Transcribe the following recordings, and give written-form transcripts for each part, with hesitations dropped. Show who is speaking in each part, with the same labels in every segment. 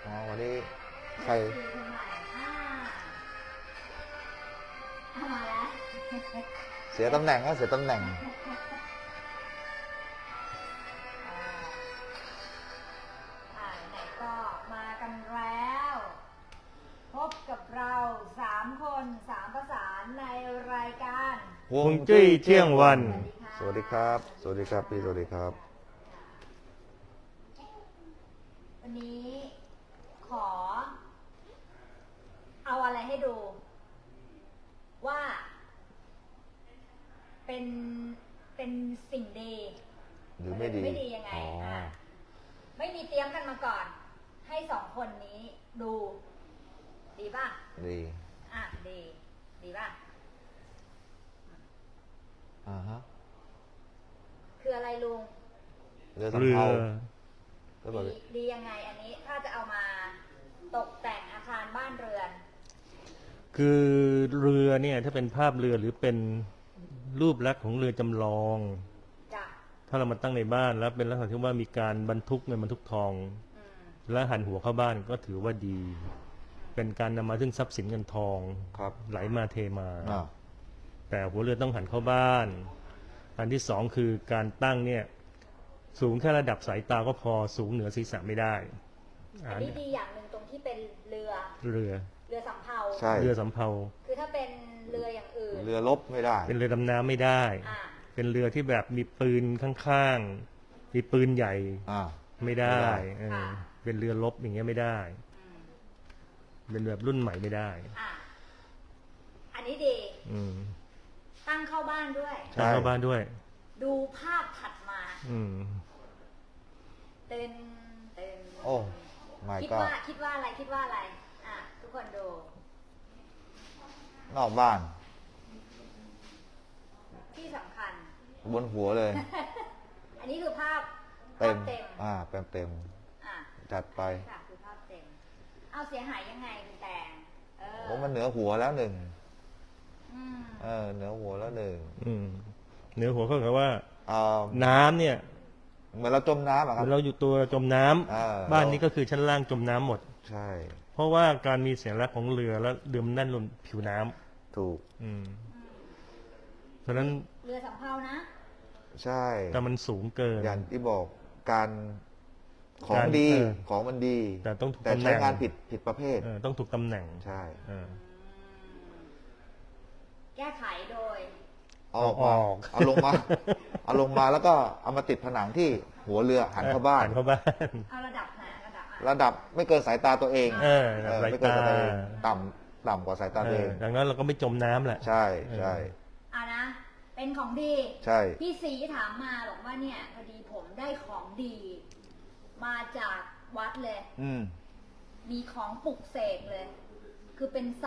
Speaker 1: วันนี้ใคร
Speaker 2: มาแล้ว
Speaker 1: เสียตำแหน่งก็เสียตำแหน่ง
Speaker 2: ไหนก็มากันแล้ว พบกับเรา3 คน3 ประสานในรายการ
Speaker 3: ฮวงจุ้ยเที่ยงวัน
Speaker 1: สวัสดีครับสวัสดีครับพี่สวัสดีครับ
Speaker 2: วันนี้ขอเอาอะไรให้ดูว่าเป็นสิ่งดี
Speaker 1: หรือไม่ดี
Speaker 2: ไม่ดียังไงไม่มีเตรียมกันมาก่อนให้2 คนนี้ดูดีป่ะ
Speaker 1: ดี
Speaker 2: ดีป่ะ
Speaker 1: ฮะ
Speaker 2: คืออะไรลุง
Speaker 1: เรือสำเภา
Speaker 2: ดียังไงอันนี้ถ้าจะเอามาตกแต่งอาคารบ้านเรือน
Speaker 3: คือเรือเนี่ยถ้าเป็นภาพเรือหรือเป็นรูปลักษณ์ของเรือจำลองถ้าเรามาตั้งในบ้านแล้วเป็นลักษณะที่ว่ามีการบรรทุกเงินบรรทุกทองและหันหัวเข้าบ้านก็ถือว่าดีเป็นการนำมาซึ่งทรัพย์สินเงินทองไหลมาเทมาแต่หัวเรือต้องหันเข้าบ้านอันที่2คือการตั้งเนี่ยสูงแค่ระดับสายตาก็พอสูงเหนือศีรษะไม่ได้
Speaker 2: อันนี้ดีอย่างหนึ่งตรงที่เป็นเรือสำเภา
Speaker 1: ใช่
Speaker 3: เรือสำเภา
Speaker 2: คือถ้าเป็นเรืออย่างอื่น
Speaker 1: เรือรบไม่ได้
Speaker 3: เป็นเรือดำน้ำไม่ได้เป็นเรือที่แบบมีปืนข้างๆมีปืนใหญ่ไม่ได้เป็นเรือรบอย่างเงี้ยไม่ได้เป็นแบบรุ่นใหม่ไม่ได้
Speaker 2: อันนี้ดีตั้งเข้าบ้านด้วย
Speaker 3: ตั้งเข้าบ้านด้วย
Speaker 2: ดูภาพถัดมาเต้น
Speaker 1: โอ้ไม่ก็
Speaker 2: คิดว่าอะไรทุกคนดู
Speaker 1: นอกบ้าน
Speaker 2: ที่สำคัญ
Speaker 1: บนหัวเลย
Speaker 2: อันนี้คือภาพ
Speaker 1: เต็มเต็มจัดไป
Speaker 2: คือภาพเต็มเอาเสียหายยังไงคุณแตง
Speaker 1: ผมมันเหนือหัวแล้ว1เหนือหัวแล้ว1
Speaker 3: เหนือหัวเขาบอกว่าน้ำเนี่ย
Speaker 1: เหมือนเราจมน้ำครับ
Speaker 3: เราอยู่ตัวจมน้ำบ้านนี้ก็คือชั้นล่างจมน้ำหมด
Speaker 1: ใช่
Speaker 3: เพราะว่าการมีเสียงรักของเรือแล้วเรือมันแน่นลงผิวน้
Speaker 1: ำถูก
Speaker 3: เพราะนั้น
Speaker 2: เรือสำเภานะ
Speaker 1: ใช่
Speaker 3: แต่มันสูงเกิน
Speaker 1: อย่างที่บอกการของดีของมันดี
Speaker 3: แต่ต้องถูก
Speaker 1: แต่ใช้งานผิดประเภท
Speaker 3: ต้องถูกตำแหน่ง
Speaker 1: ใช่
Speaker 2: แก้ไขโดย
Speaker 1: เอาลงมาแล้วก็เอามาติดผนังที่หัวเรือหันเข้าบ้าน
Speaker 2: เอาระดับไหน
Speaker 1: ระดับไม่เกินสายตาตัวเอง
Speaker 3: ไม่เกินสายตา
Speaker 1: ต่ำกว่าสายตาตัวเอง
Speaker 3: ดังนั้นเราก็ไม่จมน้ำแหละ
Speaker 1: ใช่
Speaker 2: นะเป็นของดี
Speaker 1: ใช่
Speaker 2: พี่ศรีถามมาบอกว่าเนี่ยพอดีผมได้ของดีมาจากวัดเลยมีของปลุกเสกเลยคือเป็นไซ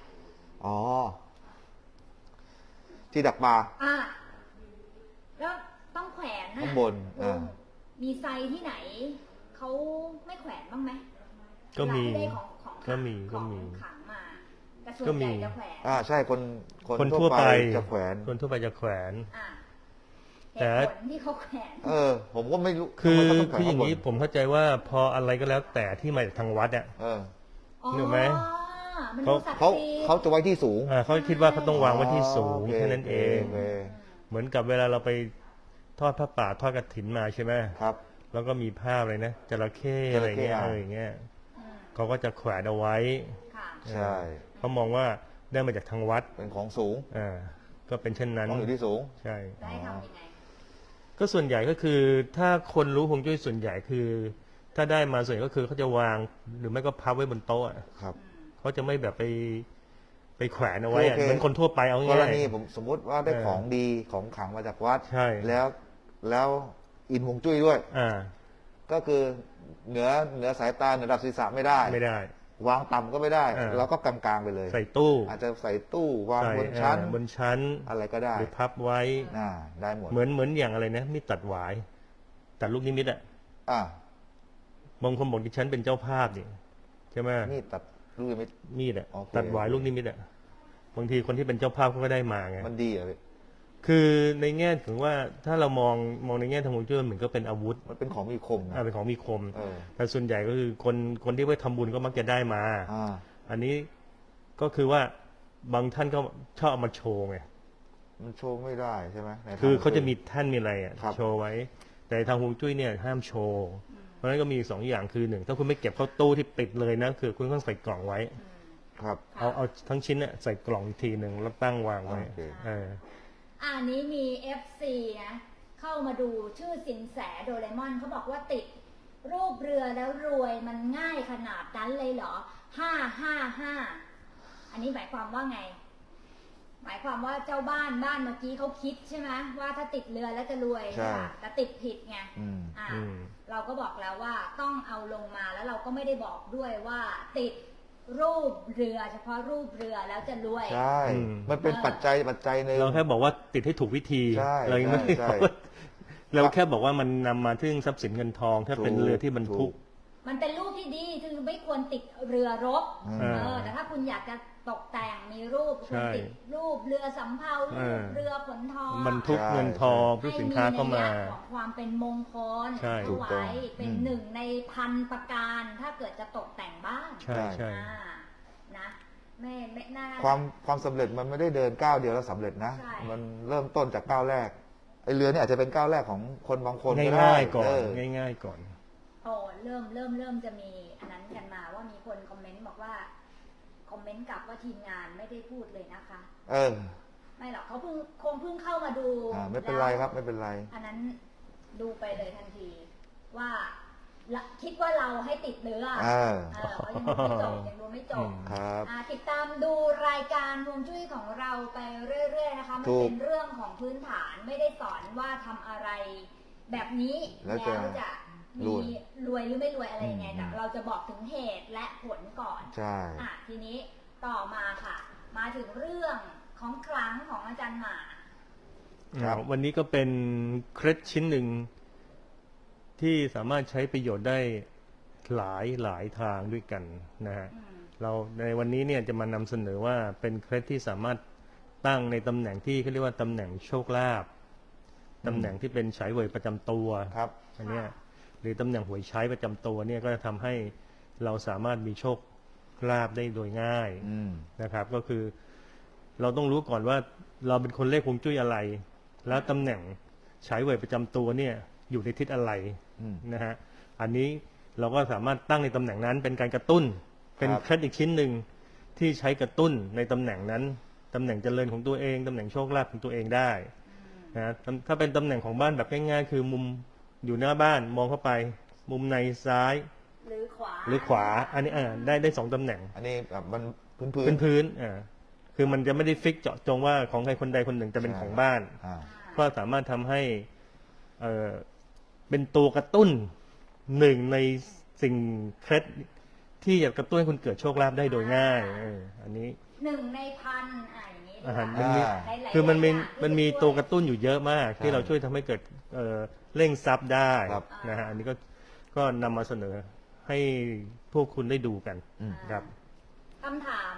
Speaker 1: ที่ดักปลา
Speaker 2: แล้วต้องแขวนนะ
Speaker 1: ข้างบน
Speaker 2: มีไซที่ไหนเขาไม่แขวนบ้างไหม
Speaker 3: ก็มี
Speaker 2: ขังมาแต่ส่วนใหญ่จะแขวน
Speaker 1: ใช่คนทั่วไปจะแขวน
Speaker 3: คนทั่วไปจะแขวน
Speaker 2: แต่ที่เขาแขวน
Speaker 1: ผมก็ไม่รู้
Speaker 3: คืออย่างนี้ผมเข้าใจว่าพออะไรก็แล้วแต่ที่มาจากทางวัดนึกไหม
Speaker 1: เขาจะไว้ที่สูง
Speaker 3: เขาคิดว่าเขาต้องวางไว้ที่สูงแค่นั้นเองเหมือนกับเวลาเราไปทอดผ้าป่าทอดกฐินมาใช่ไหม
Speaker 1: ครับ
Speaker 3: แล้วก็มีภาพอะไรนะจระเข้อะไรเงี้ยเขาก็จะแขวนเอาไว้
Speaker 1: ใช่
Speaker 3: เขามองว่าได้มาจากทางวัด
Speaker 1: เป็นของสูง
Speaker 3: ก็เป็นเช่นนั้น
Speaker 1: ของอยู่ที่สูง
Speaker 3: ใช่
Speaker 2: ได้ทำยังไง
Speaker 3: ก็ส่วนใหญ่ก็คือถ้าคนรู้ฮวงจุ้ยส่วนใหญ่คือ ถ้าได้มาส่วนใหญ่ก็คือเขาจะวางหรือไม่ก็พับไว้บนโต๊ะ
Speaker 1: ครับ
Speaker 3: เขาจะไม่แบบไปแขวนเอาไว้เหมือนคนทั่วไปเอาง่าย
Speaker 1: กรณีผมสมมติว่าได้ของดีของขลังมาจากวัดแล้วอินฮวงจุ้ยด้วยก็คือเหนือสายตาเหนือระดับศีรษะไม่ได้วางต่ำก็ไม่ได้เราก็กลางๆไปเลย
Speaker 3: ใส่ตู้
Speaker 1: อาจจะใส่ตู้วางบนชั้นอะไรก็ได้
Speaker 3: หรือพับไว้
Speaker 1: ได้หมด
Speaker 3: เหมือนอย่างอะไรนะมีตัดหวายตัดลูกนิมิตบางคนบอกดิฉันเป็นเจ้าภาพนี่ใช่ไหม
Speaker 1: มีดตัดลูกนิมิต
Speaker 3: ตัดหวายลูกนิมิตบางทีคนที่เป็นเจ้าภาพเขาก็ได้มาไง
Speaker 1: มันดีเหรอ
Speaker 3: คือในแง่ถึงว่าถ้าเรามองในแง่ทางฮวงจุ้ยเหมือนก็เป็นอาวุธ
Speaker 1: มันเป็นของมีคม
Speaker 3: เป็นของมีคมแต่ส่วนใหญ่ก็คือคนที่ไปทำบุญก็มักจะได้มาอันนี้ก็คือว่าบางท่านก็ชอบเอามาโชว์ไง
Speaker 1: มันโชว์ไม่ได้ใช่ไหม
Speaker 3: คือเขาจะมีแท่นมีอะไรโชว์ไว้แต่ทางฮวงจุ้ยเนี่ยห้ามโชว์เพราะฉะนั้นก็มี2 อย่างคือ1ถ้าคุณไม่เก็บเข้าตู้ที่ปิดเลยนะคือคุณต้องใส่กล่องไว้
Speaker 1: ครับ
Speaker 3: เอาทั้งชิ้นเนี่ยใส่กล่องอีกทีหนึ่งแล้วตั้งวางไว้
Speaker 2: อันนี้มี FC นะเข้ามาดูชื่อสินแสโดเรมอนเขาบอกว่าติดรูปเรือแล้วรวยมันง่ายขนาดนั้นเลยเหรอ555อันนี้หมายความว่าไงหมายความว่าเจ้าบ้านเมื่อกี้เขาคิดใช่ไหมว่าถ้าติดเรือแล้วจะรวยค่ะแต่ติดผิดไงเราก็บอกแล้วว่าต้องเอาลงมาแล้วเราก็ไม่ได้บอกด้วยว่าติดรูปเรือเฉพาะรูปเรือแล้วจะรวย
Speaker 1: ใช่มันเป็นปัจจัยหนึ่ง
Speaker 3: เราแค่บอกว่าติดให้ถูกวิธีเราไม่ได้เราแค่บอกว่ามันนำมาถึงทรัพย์สินเงินทองถ้าเป็นเรือที่บรรทุก
Speaker 2: มันเป็นรูปที่ดีคือไม่ควรติดเรือรบแต่ถ้าคุณอยากจะตกแต่งมีรูปคุณติดรูปเรือสำเภารูปเรือขนทอง
Speaker 3: บรรทุกเงินทองเพื่อสินค้าเข้ามา
Speaker 2: ของความเป็นมงคลเอาไว้เป็น1 ใน 1,000 ประการถ้าเกิดจะตกแต่งบ้าน
Speaker 3: ใช่
Speaker 2: นะไม่น่า
Speaker 1: ความสำเร็จมันไม่ได้เดินก้าวเดียวแล้วสำเร็จนะมันเริ่มต้นจากก้าวแรกไอเรือเนี่ยอาจจะเป็นก้าวแรกของคนบางคนก็ได้
Speaker 3: ง่ายๆก่อนง่ายๆก่อน
Speaker 2: เริ่มจะมีอันนั้นกันมาว่ามีคนคอมเมนต์บอกว่าคอมเมนต์กลับว่าทีมงานไม่ได้พูดเลยนะคะไม่หรอกเขาคงเพิ่งเข้ามาดู
Speaker 1: ไม่เป็นไรครับไม่เป็นไร
Speaker 2: อันนั้นดูไปเลยทันทีว่าคิดว่าเราให้ติดเรือเขายังดูไม่จบติดตามดูรายการฮวงจุ้ยของเราไปเรื่อยๆนะคะมันเป็นเรื่องของพื้นฐานไม่ได้สอนว่าทำอะไรแบบนี้แล้วจะมีรวยหรือไม่รวยอะไรยังไงแต่เราจะบอกถึงเหตุและผลก่อน
Speaker 1: ใช่
Speaker 2: ทีนี้ต่อมาค่ะมาถึงเรื่องของครั้งของอาจารย์หมา
Speaker 3: วันนี้ก็เป็นเคล็ดชิ้นหนึ่งที่สามารถใช้ประโยชน์ได้หลายทางด้วยกันนะฮะเราในวันนี้เนี่ยจะมานำเสนอว่าเป็นเคล็ดที่สามารถตั้งในตำแหน่งที่เขาเรียกว่าตำแหน่งโชคลาภตำแหน่งที่เป็นฉายเว่ยประจำตัวอันนี้หรือตำแหน่งหวยใช้ประจำตัวเนี่ยก็จะทำให้เราสามารถมีโชคลาภได้โดยง่ายนะครับก็คือเราต้องรู้ก่อนว่าเราเป็นคนเลขฮวงจุ้ยอะไรแล้วตำแหน่งฉายเว่ยประจำตัวเนี่ยอยู่ในทิศอะไรนะฮะอันนี้เราก็สามารถตั้งในตำแหน่งนั้นเป็นการกระตุ้นเป็นเคล็ดอีกชิ้นหนึ่งที่ใช้กระตุ้นในตำแหน่งนั้นตำแหน่งเจริญของตัวเองตำแหน่งโชคลาภของตัวเองได้นะถ้าเป็นตำแหน่งของบ้านแบบง่ายๆคือมุมอยู่หน้าบ้านมองเข้าไปมุมในซ้าย
Speaker 2: หรือ
Speaker 3: ขวาอันนี้ได้2 ตำแหน่ง
Speaker 1: อันนี้แบบมัน
Speaker 3: พื้นคือมันจะไม่ได้ฟิกเจาะจงว่าของใครคนใดคนหนึ่งจะเป็นของบ้านก็สามารถทำให้เป็นตัวกระตุ้น1 ในสิ่งเคล็ดที่จะกระตุ้นให้คุณเกิดโชคลาภได้โดยง่ายอันนี้
Speaker 2: 1 ใน 1,000อย่างนี้
Speaker 3: คือมันมีตัวกระตุ้นอยู่เยอะมากที่เราช่วยทำให้เกิดเร่งทรัพย์ได้นะฮะอันนี้ก็นำมาเสนอให้พวกคุณได้ดูกันครับ
Speaker 2: คำถาม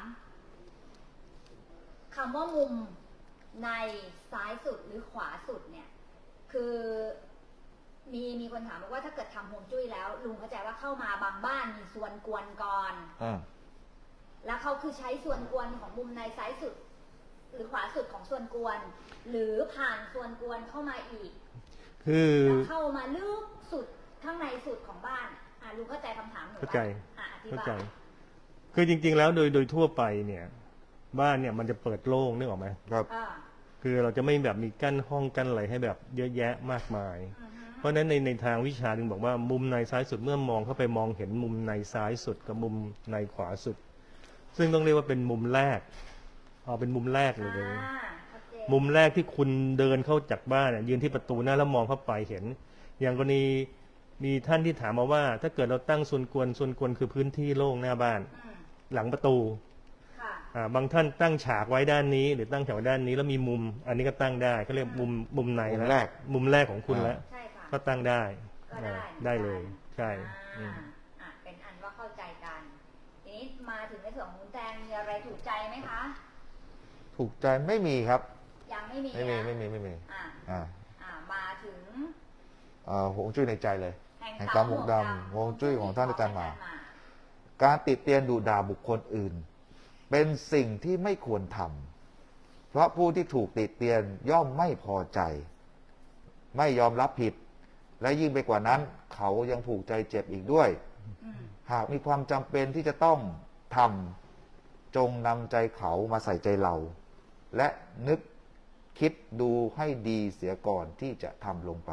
Speaker 2: คำว่ามุมในซ้ายสุดหรือขวาสุดเนี่ยคือมีคนถามบอกว่าถ้าเกิดทำฮวงจุ้ยแล้วลุงเข้าใจว่าเข้ามาบางบ้านมีส่วนกวนก่อนแล้วเขาคือใช้ส่วนกวนของมุมในซ้ายสุดหรือขวาสุดของส่วนกวนหรือผ่านส่วนกวนเข้ามาอีก
Speaker 3: คือ
Speaker 2: เข้ามาลึกสุดข้างในสุดของบ้านลุงเข้าใจคำถามหนู
Speaker 3: เข้าใจคือจริงๆแล้วโดยทั่วไปเนี่ยบ้านเนี่ยมันจะเปิดโล่งนึกออกไหม
Speaker 1: ครับ
Speaker 3: คือเราจะไม่แบบมีกั้นห้องกั้นอะไรให้แบบเยอะแยะมากมายเพราะฉะนั้นในทางวิชาถึงบอกว่ามุมในซ้ายสุดเมื่อมองเข้าไปมองเห็นมุมในซ้ายสุดกับมุมในขวาสุดซึ่งต้องเรียกว่าเป็นมุมแรกเป็นมุมแรกเลยมุมแรกที่คุณเดินเข้าจากบ้านยืนที่ประตูหน้าแล้วมองเข้าไปเห็นอย่างกรณีมีท่านที่ถามมาว่าถ้าเกิดเราตั้งส่วนกวนคือพื้นที่โล่งหน้าบ้านหลังประตูบางท่านตั้งฉากไว้ด้านนี้หรือตั้งฉากไว้ด้านนี้แล้วมีมุมอันนี้ก็ตั้งได้ก็เรียกมุมในแล้วมุมแรกของคุณแล้วก็ตั้งได้เลยใช่
Speaker 2: เป็นอันว่าเข้าใจกันทีนี้มาถึงในส่วนของคุณแตงมีอะไรถูกใจไหมคะ
Speaker 1: ถูกใจไม่มีครับ
Speaker 2: ยังไม่มี
Speaker 1: ไม่มี
Speaker 2: มาถึง
Speaker 1: ฮวงจุ้ยในใจเลยแห่งกรรมหมวกดำฮวงจุ้ยของท่านอาจารย์มาการติเตียนดุด่าบุคคลอื่นเป็นสิ่งที่ไม่ควรทำเพราะผู้ที่ถูกติเตียนย่อมไม่พอใจ ไม่ยอมรับผิด และยิ่งไปกว่านั้นเขายังผูกใจเจ็บอีกด้วย หากมีความจำเป็นที่จะต้องทำจงนำใจเขามาใส่ใจเรา และนึกคิดดูให้ดีเสียก่อนที่จะทำลงไป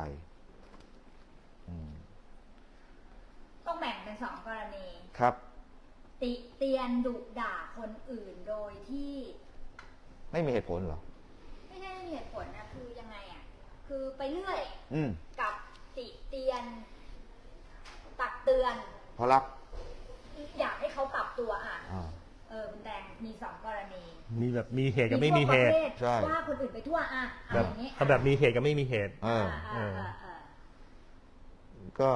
Speaker 2: ต้องแบ่งเป็น2 กรณี
Speaker 1: ครับ
Speaker 2: ติเตียนดุด่าคนอื่นโดยที่
Speaker 1: ไม่มีเหตุผลเหรอ
Speaker 2: ไม่ใช่ไม่มีเหตุผลนะคือยังไงอ่ะคือไปเรื่อยกับติเตียนตักเตือน
Speaker 1: เพราะรัก
Speaker 2: อยากให้เขาปรับตัวคุณแดงมี2 กรณี
Speaker 3: มีแบบมีเหตุกับไม่มีเหตุ
Speaker 2: ว่าคนอื่นไปทั่ว
Speaker 3: แบบเอาแบบมีเหตุกับไม่มีเหตุ
Speaker 1: ก็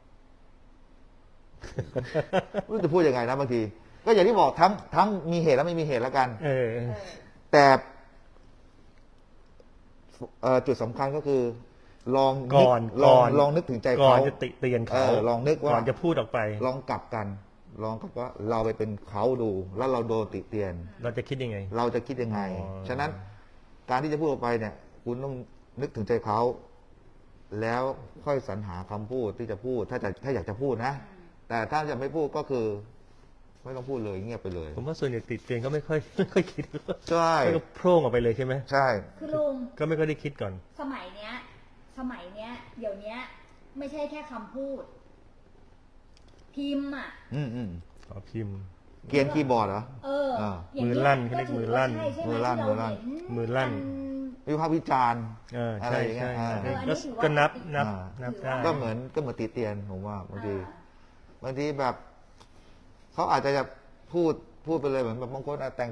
Speaker 1: ไม่รู้จะพูดยังไงนะบางทีก็อย่างที่บอกทั้งมีเหตุและไม่มีเหตุแล้วกันแต่จุดสำคัญก็คือลองนึกถึงใจเขา
Speaker 3: ก่อนจะติเตียนเขา
Speaker 1: ลองนึกว่า
Speaker 3: ก่อนจะพูดออกไป
Speaker 1: ลองกลับกันลองกับว่าเราไปเป็นเขาดูแล้วเราโดนติเตียน
Speaker 3: เราจะคิดยังไง
Speaker 1: ฉะนั้นการที่จะพูดออกไปเนี่ยคุณต้องนึกถึงใจเขาแล้วค่อยสรรหาคำพูดที่จะพูดถ้าอยากจะพูดนะแต่ถ้าจะไม่พูดก็คือไม่ต้องพูดเลยเงียบไปเลย
Speaker 3: ผมว่าส่วนใหญ่ติดเตียนก็ไม่ค่อยคิด
Speaker 1: ใช่
Speaker 3: ก็โพร่งออกไปเลยใช่ไหม
Speaker 1: ใช่
Speaker 2: คือลุง
Speaker 3: ก็ไม่ค่อยได้คิดก่อน
Speaker 2: สมัยเนี้ยเดี๋ยวนี้ไม่ใช่แค่คำพูดพิมพ์
Speaker 3: พิมพ์
Speaker 1: เกียนคีย์บอร์ดเหรอ
Speaker 3: มือลั่นเขาเรียกมือลั่น
Speaker 1: วิพากษ์วิจารณ์อะไรอย่างเงี้ย
Speaker 3: ก็นับได้
Speaker 1: ก็เหมือนติเตียนผมว่าบางทีแบบเขาอาจจะพูดไปเลยเหมือนแบบบางคนแต่ง